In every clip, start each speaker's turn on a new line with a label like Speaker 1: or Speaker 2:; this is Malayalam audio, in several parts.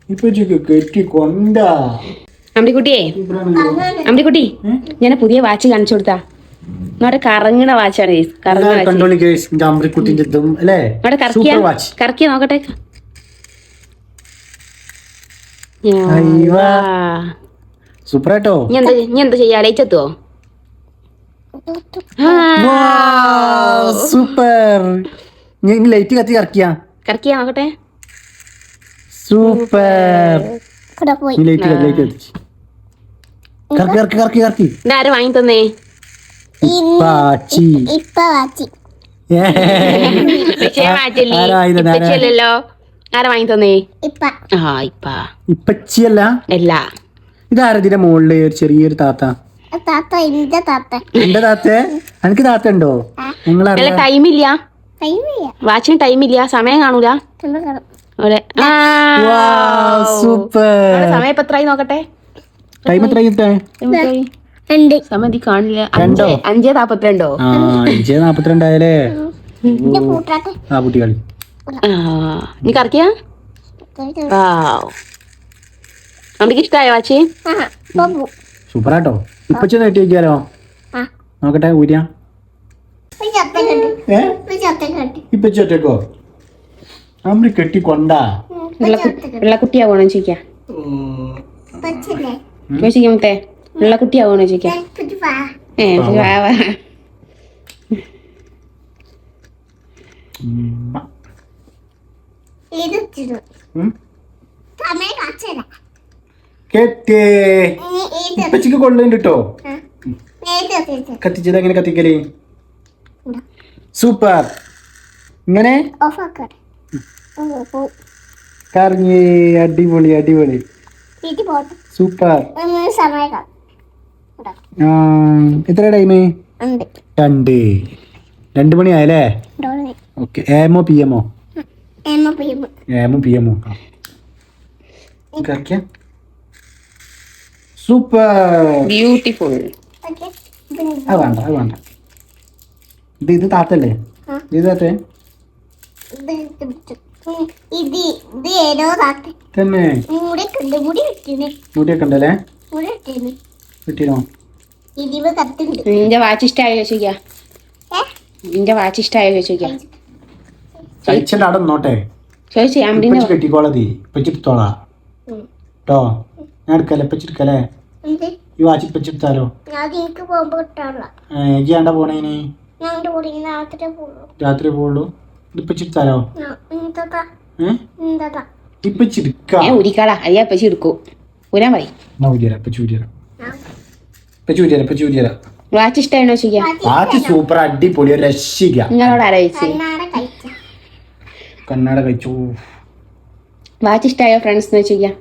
Speaker 1: ഇപ്പൊ കെട്ടി കൊണ്ടാ
Speaker 2: അമ്പിക്കുട്ടിയെ, അമ്പിക്കുട്ടി, ഞാൻ പുതിയ വാച്ച് കാണിച്ചു കൊടുത്താ. നമ്മുടെ കറങ്ങണ വാച്ചാണ്. കറക്കിയ നോക്കട്ടെ.
Speaker 1: സൂപ്പറാട്ടോ.
Speaker 2: ഇനി എന്താ ചെയ്യാ? ലൈറ്റ് എത്തുവോ?
Speaker 1: സൂപ്പർ. ലൈറ്റ് കത്തി കറക്കിയാ
Speaker 2: നോക്കട്ടെ.
Speaker 1: സൂപ്പർ.
Speaker 2: ഇതാര് വാങ്ങി തന്നേ? ഇപ്പച്ചല്ലോ. ആരാ വാങ്ങി തന്നേ?
Speaker 1: ഇപ്പച്ചിയല്ല. ഇതാരതിന്റെ മുകളില് ഒരു ചെറിയൊരു താത്ത. എന്റെ താത്തേ? എനിക്ക് താത്ത ഉണ്ടോ?
Speaker 2: നിങ്ങളെ ടൈമില്ല, വാച്ചിന് ടൈമില്ല, സമയം കാണൂല.
Speaker 1: സൂപ്പർ.
Speaker 2: സമയം ഇപ്പൊ എത്രയായി നോക്കട്ടെ.
Speaker 1: ടൈം എത്രയായി?
Speaker 2: സമയം കാണില്ല. 5:42.
Speaker 1: 5:42 ആയാലേ. ആ കുട്ടികളി
Speaker 2: നീ കറക്കിയാ? നമുക്ക് ഇഷ്ടായോ വാച്ച്?
Speaker 1: സൂപ്പറാട്ടോ. ഇപ്പച്ചി നെട്ടി വയ്ക്കാലോ. നോക്കട്ടെ ഊരിയാ. ഇപ്പച്ചി ഒറ്റക്കോ? അമ്മ കെട്ടി കൊണ്ടാ.
Speaker 2: വെള്ളക്കുട്ടിയാവണോ ചോദിക്കാ? ചോദിക്കേ വെള്ളക്കുട്ടിയാവണോ ചോദിക്കാ?
Speaker 1: ഇപ്പച്ചിക്ക് കൊള്ളുന്നുണ്ട് കേട്ടോ. കത്തിച്ചത് എങ്ങനെ കത്തിക്കല്? സൂപ്പർ. ഇങ്ങനെ കറങ്ങി. അടിപൊളി അടിപൊളി. സൂപ്പർ. എത്ര ടൈം? 2 മണി ആയല്ലേ? ഓക്കെ. എമോ പി എമ്മോ? പി എമ്മോ. സൂപ്പർ.
Speaker 2: ബ്യൂട്ടിഫുൾ.
Speaker 1: അത് വേണ്ട. ഇത് താത്തല്ലേ? ഇത് താത്തേ തന്നെ? മുടിയൊക്കെ ഉണ്ടല്ലേ? കിട്ടിയോ?
Speaker 2: നിന്റെ വാച്ച് ഇഷ്ടായോ ചോദിക്കാ? നിന്റെ വാച്ച് ഇഷ്ടായോ ചോദിക്കാ?
Speaker 1: കഴിച്ചിട്ട് അവിടെ നോട്ടെ. കെട്ടിക്കോളതി ഇപ്പച്ചിട്ടോളാ കേട്ടോ. ഞാൻ എടുക്കല്ലേ? ഇപ്പച്ചെടുക്കല്ലേ? ഈ വാച്ച് ഇപ്പച്ചെടുത്താലോ? ഏണ്ട പോണേന്? രാത്രി പോവുള്ളൂ. ഇപ്പച്ചെടുത്താലോ? ഇപ്പച്ചെടുക്കാ.
Speaker 2: ഉരിക്കാളാ അയ്യാ ഇപ്പച്ചി എടുക്കൂ. ഊരാൻ പറയും. വാച്ച് ഇഷ്ടാണോ ചോദിക്കാ?
Speaker 1: വാച്ച് സൂപ്പർ അടിപൊളി. ഒരു രക്ഷിക്ക.
Speaker 2: നിങ്ങളോട് ആലോചിച്ച്
Speaker 1: കണ്ണാട കഴിച്ചു.
Speaker 2: വാച്ച് ഇഷ്ടായോ ഫ്രണ്ട്സ് എന്ന് ചോദിക്കാം.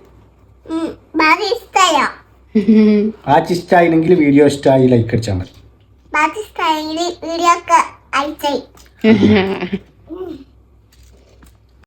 Speaker 1: വാച്ച് ഇഷ്ടായില്ലെങ്കിൽ വീഡിയോ ഇഷ്ടമായി ലൈക്ക് അടിച്ചാൽ മതി.